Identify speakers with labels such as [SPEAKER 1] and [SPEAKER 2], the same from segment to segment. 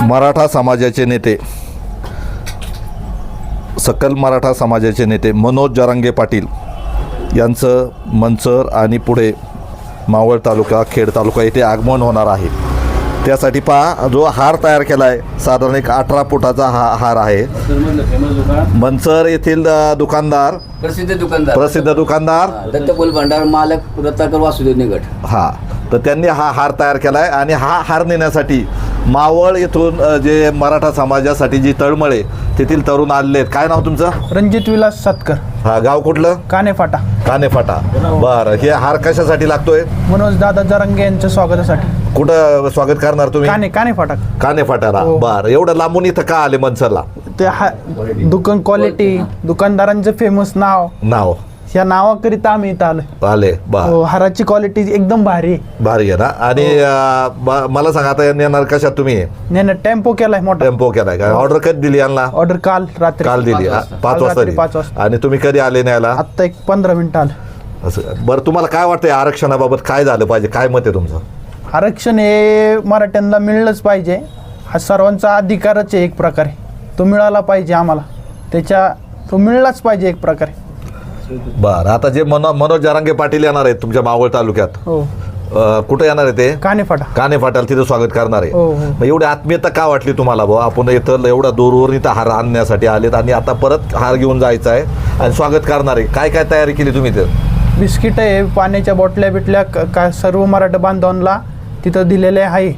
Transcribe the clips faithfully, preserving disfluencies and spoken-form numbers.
[SPEAKER 1] मराठा समाजाचे नेते, सकल मराठा समाजाचे नेते मनोज जरांगे पाटील यांचं मंचर आणि पुढे मावळ तालुका, खेड तालुका येथे आगमन होणार आहे. त्यासाठी पहा जो हार तयार केला आहे, साधारण एक अठरा फुटाचा हा हार आहे. मंचर येथील दुकानदार,
[SPEAKER 2] प्रसिद्ध दुकानदार
[SPEAKER 1] प्रसिद्ध दुकानदार
[SPEAKER 2] दत्तबोल भंडार मालक रत्नाकर वासुदेव निगट,
[SPEAKER 1] हा तर त्यांनी हा हार तयार केला आहे. आणि हा हार नेण्यासाठी मावळ येथून जे मराठा समाजासाठी जी तळमळे तेथील तरुण आलेले आहेत. काय नाव तुमचं?
[SPEAKER 3] रणजित विलास सातकर.
[SPEAKER 1] हा, गाव कुठलं?
[SPEAKER 3] कानेफाटा.
[SPEAKER 1] कानेफाटा. बरं, हे हार कशासाठी लागतोय?
[SPEAKER 3] मनोज दादा जरांगे यांच्या स्वागतासाठी.
[SPEAKER 1] कुठं स्वागत करणार तुम्ही?
[SPEAKER 3] काने कानेफाटा.
[SPEAKER 1] कानेफाटाला.
[SPEAKER 3] हो.
[SPEAKER 1] बरं, एवढं लांबून इथं का आले मनसरला?
[SPEAKER 3] ते हा दुकान क्वालिटी, दुकानदारांचं फेमस नाव,
[SPEAKER 1] नाव
[SPEAKER 3] या नावाकरिता आम्ही इथं आलोय.
[SPEAKER 1] आले. बर,
[SPEAKER 3] हो, हाराची क्वालिटी एकदम भारी आहे.
[SPEAKER 1] भारी आहे ना. आणि अं, ब- मला सांगा आता येणार कशात तुम्ही?
[SPEAKER 3] यानं टेम्पो केलाय मोठा.
[SPEAKER 1] टेम्पो केलाय का? ऑर्डर कधी दिली यांना?
[SPEAKER 3] ऑर्डर काल रात्री
[SPEAKER 1] काल दिली. हा, पाच
[SPEAKER 3] काल
[SPEAKER 1] वाजता
[SPEAKER 3] रात्री
[SPEAKER 1] दिली.
[SPEAKER 3] पाच वाजता.
[SPEAKER 1] आणि तुम्ही कधी आले न्यायला?
[SPEAKER 3] आत्ता एक पंधरा मिनिटं आलं.
[SPEAKER 1] असं. बरं, तुम्हाला काय वाटतंय आरक्षणाबाबत काय झालं पाहिजे? काय मत आहे तुमचं?
[SPEAKER 3] आरक्षण हे मराठ्यांना मिळलंच पाहिजे. हा सर्वांचा अधिकारच आहे एक प्रकारे. तो मिळाला पाहिजे आम्हाला. त्याच्या तो मिळलाच पाहिजे एक प्रकारे.
[SPEAKER 1] बरं, आता जे मनो मनोज जरांगे पाटील येणार आहेत तुमच्या मावळ तालुक्यात,
[SPEAKER 3] हो,
[SPEAKER 1] अं, कुठे येणार आहे ते?
[SPEAKER 3] कानेफाटा.
[SPEAKER 1] काने फाटाल तिथं स्वागत करणार आहे.
[SPEAKER 3] हो, हो.
[SPEAKER 1] मग एवढी आत्मीयता का वाटली तुम्हाला भाऊ? आपण इथं एवढा दूरवरून इथं हार आणण्यासाठी आलेत आणि आता परत हार घेऊन जायचा आहे आणि स्वागत करणार आहे. काय काय तयारी केली तुम्ही इथं?
[SPEAKER 3] बिस्किट आहे, पाण्याच्या बॉटल्या बिटल्या क- काय सर्व मराठा बांधवांना तिथं दिलेले आहे.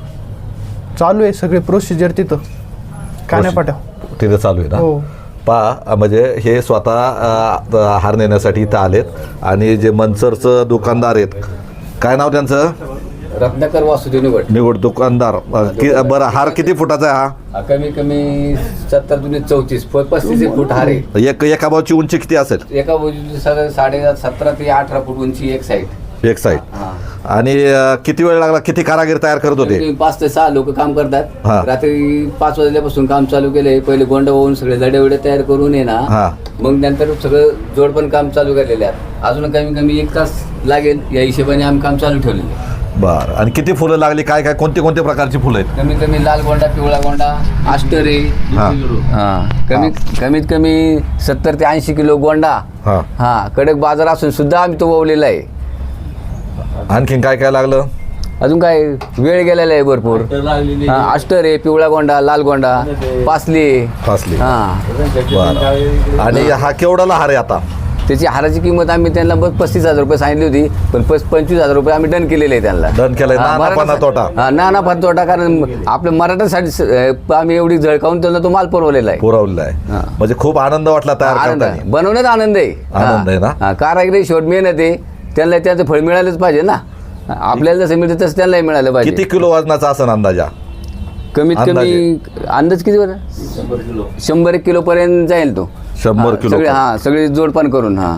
[SPEAKER 3] चालू आहे सगळी प्रोसिजर तिथं कानेफाटा.
[SPEAKER 1] तिथं चालू आहे ना?
[SPEAKER 3] हो.
[SPEAKER 1] पहा, म्हणजे हे स्वतः अं, हार नेण्यासाठी इथं आलेत. आणि जे मनसरचं दुकानदार आहेत, काय नाव त्यांचं?
[SPEAKER 2] रत्नाकर वासुदेव निगट.
[SPEAKER 1] निवड दुकानदार. अं, कि- बरं, हार किती फुटाचा आहे हा?
[SPEAKER 2] हा, कमी कमी सत्तर दुने चौतीस प- पस्तीस एक फूट हार आहे.
[SPEAKER 1] एक एका बाजूची उंची किती असेल?
[SPEAKER 2] एका बाजूची साडे साडे सतरा ते अठरा फूट उंची एक साईड.
[SPEAKER 1] एक साईड.
[SPEAKER 2] हा.
[SPEAKER 1] आणि अं, किती वेळ लागला? किती कारागीर तयार करत होते?
[SPEAKER 2] कमी पाच ते सहा लोक काम
[SPEAKER 1] हा.
[SPEAKER 2] करतात. रात्री पाच वाजल्यापासून काम चालू केलंय. पहिले गोंड वाहून सगळे जडे वडे तयार करून ये ना,
[SPEAKER 1] हा.
[SPEAKER 2] मग नंतर सगळं जोड पण काम चालू केलेले आहे. अजून कमी कमी एक तास लागेल या हिशोबाने आम्ही काम चालू ठेवलेलं आहे.
[SPEAKER 1] बरं, आणि किती फुलं लागली? काय काय कोणते कोणते प्रकारची फुलं आहेत?
[SPEAKER 2] कमीत कमी लाल गोंडा, पिवळा गोंडा, आस्टर आहे.
[SPEAKER 1] हा.
[SPEAKER 2] हा, कमीत कमीत कमी सत्तर ते ऐंशी किलो गोंडा.
[SPEAKER 1] हा.
[SPEAKER 2] हा, कडक बाजार असून सुद्धा आम्ही तो ववलेला आहे.
[SPEAKER 1] आणखीन काय काय लागलं?
[SPEAKER 2] अजून काय वेळ गेलेला आहे भरपूर. हा, आस्टर आहे, पिवळा गोंडा, लाल गोंडा, पासली.
[SPEAKER 1] फासली.
[SPEAKER 2] हा,
[SPEAKER 1] बरं. आणि हा केवढाला हार आहे आता?
[SPEAKER 2] त्याची हाराची किंमत आम्ही त्यांना बस पस्तीस हजार रुपये सांगितली होती, पण पस पंचवीस हजार रुपये आम्ही डन केलेले आहे त्यांना.
[SPEAKER 1] डन केलंय.
[SPEAKER 2] हा,
[SPEAKER 1] ना नफा ना
[SPEAKER 2] मराठा-
[SPEAKER 1] तोटा?
[SPEAKER 2] हा, ना नफा तोटा. कारण आपल्या मराठासाठी स- अं, आम्ही एवढी झळकावून त्यांना तो माल पुरवलेला आहे.
[SPEAKER 1] पुरवलेला आहे.
[SPEAKER 2] हा.
[SPEAKER 1] म्हणजे खूप आनंद वाटला तयार
[SPEAKER 2] आनंद आहे.
[SPEAKER 1] करताना.
[SPEAKER 2] बनवण्यात आनंद आहे.
[SPEAKER 1] आनंद आहे ना?
[SPEAKER 2] हा, कारागिरी शेवट मेहनत आहे. त्यांना त्याचं फळ मिळालंच पाहिजे ना. आपल्याला जसं मिळतं तसं त्यांनाही मिळालं पाहिजे.
[SPEAKER 1] किती किलो वजनाचा असं अंदाजा?
[SPEAKER 2] कमीत कमी
[SPEAKER 1] अंदाजे?
[SPEAKER 2] अंदाज किती बरं? शंभर एक किलो पर्यंत जाईल तो.
[SPEAKER 1] शंभर
[SPEAKER 2] हा,
[SPEAKER 1] किलो
[SPEAKER 2] सगळे
[SPEAKER 1] पर्यंत.
[SPEAKER 2] हा सगळे जोडपान करून. हा,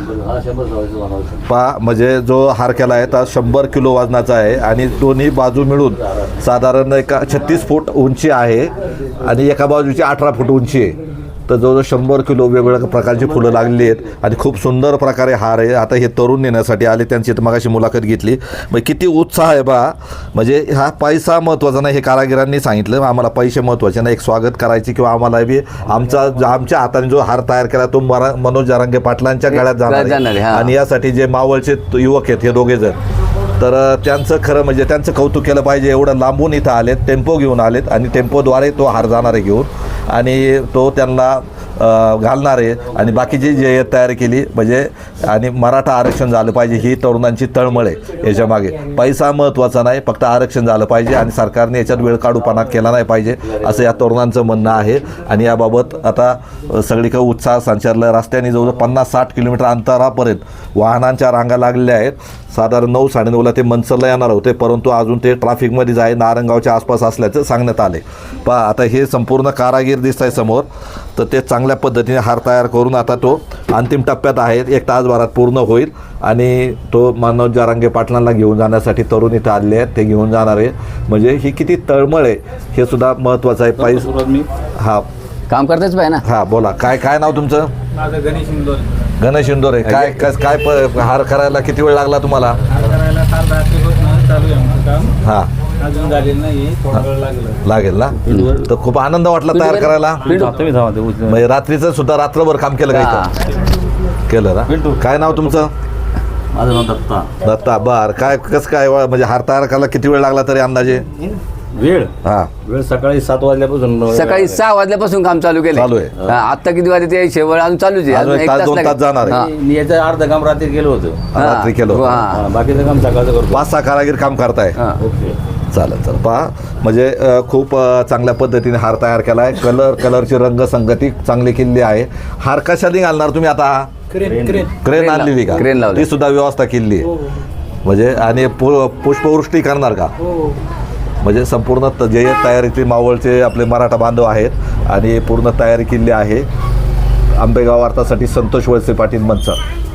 [SPEAKER 1] पा म्हणजे जो हार केला आहे तो शंभर किलो वजनाचा आहे आणि दोन्ही बाजू मिळून साधारण एका छत्तीस फूट उंची आहे आणि एका बाजूची अठरा फूट उंची आहे. तर जवळजवळ शंभर किलो वेगवेगळ्या प्रकारची फुलं लागलेली आहेत आणि खूप सुंदर प्रकारे हार आहे. आता हे तरुण नेण्यासाठी आले, त्यांची तर मगाशी मुलाखत घेतली. मग किती उत्साह आहे बा. म्हणजे हा पैसा महत्त्वाचा नाही, हे कारागिरांनी सांगितलं. आम्हाला पैसे महत्त्वाचे नाही, एक स्वागत करायचे किंवा आम्हाला बी आमचा आमच्या हाताने जो हार तयार केला तो मरा मनोज जरांगे पाटलांच्या गळ्यात जाणार
[SPEAKER 2] जाणार आहे,
[SPEAKER 1] आहे.
[SPEAKER 2] हा.
[SPEAKER 1] आणि यासाठी जे मावळचे युवक आहेत हे दोघे जण, तर त्यांचं खरं म्हणजे त्यांचं कौतुक केलं पाहिजे. एवढं लांबून इथं आलेत, टेम्पो घेऊन आलेत आणि टेम्पोद्वारे तो हार जाणार आहे घेऊन आणि तो त्यांना घालणार आहे. आणि बाकीची जे तयारी केली म्हणजे आणि मराठा आरक्षण झालं पाहिजे ही तरुणांची तळमळ आहे. याच्यामागे पैसा महत्त्वाचा नाही, फक्त आरक्षण झालं पाहिजे आणि सरकारने याच्यात वेळ काढूपणा केला नाही पाहिजे असं या तरुणांचं म्हणणं आहे. आणि याबाबत आता सगळीकडे उत्साह संचारला. रस्त्याने जवळजवळ पन्नास साठ किलोमीटर अंतरापर्यंत वाहनांच्या रांगा लागलेल्या आहेत. साधारण नऊ साडेनऊला ते मनसरला येणार होते, परंतु अजून ते ट्रॅफिकमध्येच आहे, नारंगावच्या आसपास असल्याचं सांगण्यात आले. पहा, आता हे संपूर्ण कारागीर दिसत आहे समोर, तर ते चांगल्या पद्धतीने हार तयार करून आता तो अंतिम टप्प्यात आहे. एक तासभरात पूर्ण होईल आणि तो मनोज जरांगे पाटलांना घेऊन जाण्यासाठी तरुण इथं आलेले आहेत, ते घेऊन जाणार आहे. म्हणजे ही किती तळमळ आहे हे सुद्धा महत्त्वाचं आहे. पैसे हा
[SPEAKER 2] काम करताच पाहिजे ना.
[SPEAKER 1] हा, बोला. काय काय नाव तुमचं?
[SPEAKER 3] माझं गणेश इंदोर.
[SPEAKER 1] गणेश इंदोरे. काय काय काय प- हार करायला किती वेळ लागला तुम्हाला?
[SPEAKER 3] करायला चालू आहे.
[SPEAKER 4] काम
[SPEAKER 1] हां
[SPEAKER 4] अजून झालेलं नाही, थोडा वेळ लागला.
[SPEAKER 1] लागेल ना तर खूप आनंद वाटला तयार करायला म्हणजे रात्रीचं सुद्धा रात्रभर काम केलं का इथं केलं ना काय नाव तुमचं
[SPEAKER 5] माझं नाव दत्ता.
[SPEAKER 1] दत्ता बर काय कसं काय व- म्हणजे हार तयार करायला किती वेळ लागला तरी अंदाजे
[SPEAKER 5] वेळ
[SPEAKER 1] हा
[SPEAKER 5] वेळ सकाळी सात वाजल्यापासून
[SPEAKER 2] सकाळी सहा वाजल्यापासून काम चालू केलं
[SPEAKER 1] चालू आहे.
[SPEAKER 2] आता किती वाजले ते शेवट अजून चालूच आहे.
[SPEAKER 1] अजून
[SPEAKER 2] अजून
[SPEAKER 1] एक तास, दोन
[SPEAKER 2] लागेल.
[SPEAKER 1] तास जाणार आहे.
[SPEAKER 2] हा.
[SPEAKER 5] मी याचं अर्ध काम रात्री केलं होतं.
[SPEAKER 2] हा.
[SPEAKER 1] रात्री केलं होतं.
[SPEAKER 2] हा.
[SPEAKER 5] हा, बाकीचं काम सकाळचं करतो.
[SPEAKER 1] पाच सहा कारागीर काम करताय
[SPEAKER 2] हा.
[SPEAKER 5] ओके.
[SPEAKER 1] चालेल चालेल पहा म्हणजे अ, खूप अ, चांगल्या पद्धतीने हार तयार केला आहे कलर कलरची रंगसंगती चांगली केलेली आहे हार कशाने घालणार तुम्ही आता
[SPEAKER 4] क्रेन क्रेन
[SPEAKER 1] क्रेन
[SPEAKER 2] क्रेन
[SPEAKER 1] आणलेली का
[SPEAKER 2] क्रेन लावली.
[SPEAKER 1] ती सुद्धा व्यवस्था केलेली आहे म्हणजे आणि पु- पुष्पवृष्टी करणार का
[SPEAKER 4] हो
[SPEAKER 1] म्हणजे संपूर्ण त- जे तयारीतले मावळचे आपले मराठा बांधव आहेत आणि पूर्ण तयारी केलेली आहे आंबेगाव वार्तासाठी संतोष वळसे पाटील मनसर.